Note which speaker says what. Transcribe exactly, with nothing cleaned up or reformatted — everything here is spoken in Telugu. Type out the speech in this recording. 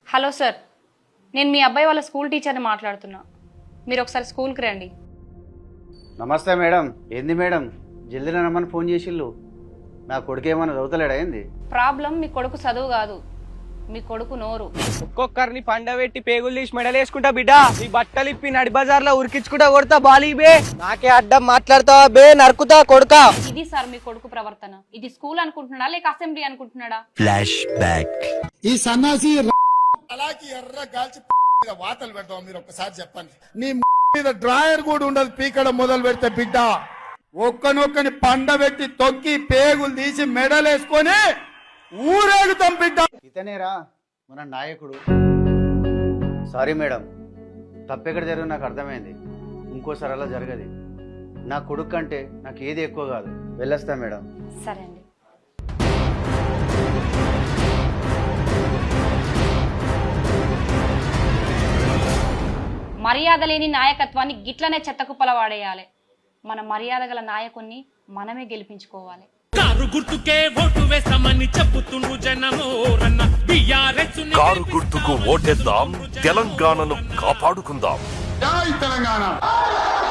Speaker 1: హలో సార్, నేను మీ అబ్బాయి వాళ్ళ స్కూల్ టీచర్ని మాట్లాడుతున్నా. మీరు ఒకసారి స్కూల్కి రండి.
Speaker 2: నమస్తే మేడం. ఏంది మేడం జల్దీ రమ్మని ఫోన్ చేసిళ్ళు? నా కొడుకు ఏమన్నా చదువుతలేడా ఏంది?
Speaker 1: ప్రాబ్లం మీ కొడుకు చదువు కాదు, మీ కొడుకు నోరు.
Speaker 3: ఒక్కొక్కరిని పండబెట్టి పేగులు తీసి మెడలేసుకుంటా బిడ్డ. ఈ బట్టలు ఇప్పి నడి బజార్ లో ఉరికించుకుంటా కొడతా బాలీ బే. నాకే అడ్డం మాట్లాడతావా బే, నరుకుతా కొడుకా.
Speaker 1: ఇది సార్ మీ కొడుకు ప్రవర్తన. ఇది స్కూల్ అనుకుంటున్నాడా లేక అసెంబ్లీ అనుకుంటున్నాడా?
Speaker 4: Flash back.
Speaker 5: ఈ సన్నాసి
Speaker 6: అలాగే ఎర్ర గాల్చి మీద వాతలు పెడతాం. మీరు ఒక్కసారి చెప్పండి. నీ మీద డ్రాయర్ కూడా ఉండదు పీకడం మొదలు పెడితే బిడ్డ. ఒక్కనొక్కని పండబెట్టి తొక్కి పేగులు తీసి మెడలేసుకొని ఊరేగుతాం బిడ్డ.
Speaker 2: ఇతనేరా మన నాయకుడు. సారీ మేడం, తప్పెక్కడ జరిగింది నాకు అర్థమైంది. ఇంకోసారి అలా జరగదు. నా కొడుకు కంటే నాకు ఏది ఎక్కువ కాదు. వెళ్ళొస్తా మేడం.
Speaker 1: సరే అండి. మర్యాద లేని నాయకత్వాన్ని గిట్లనే చెత్తకుప్పల వాడేయాలి. మన మర్యాద గల నాయకుణ్ణి మనమే గెలిపించుకోవాలి.
Speaker 7: కారు గుర్తుకే ఓటు వేస్తామని చెప్పుతుండ్రు జనము రన్న బీఆర్ఎస్ ని
Speaker 4: కారు గుర్తుకు ఓటేద్దాం, తెలంగాణను కాపాడుకుందాం.
Speaker 6: జై తెలంగాణ.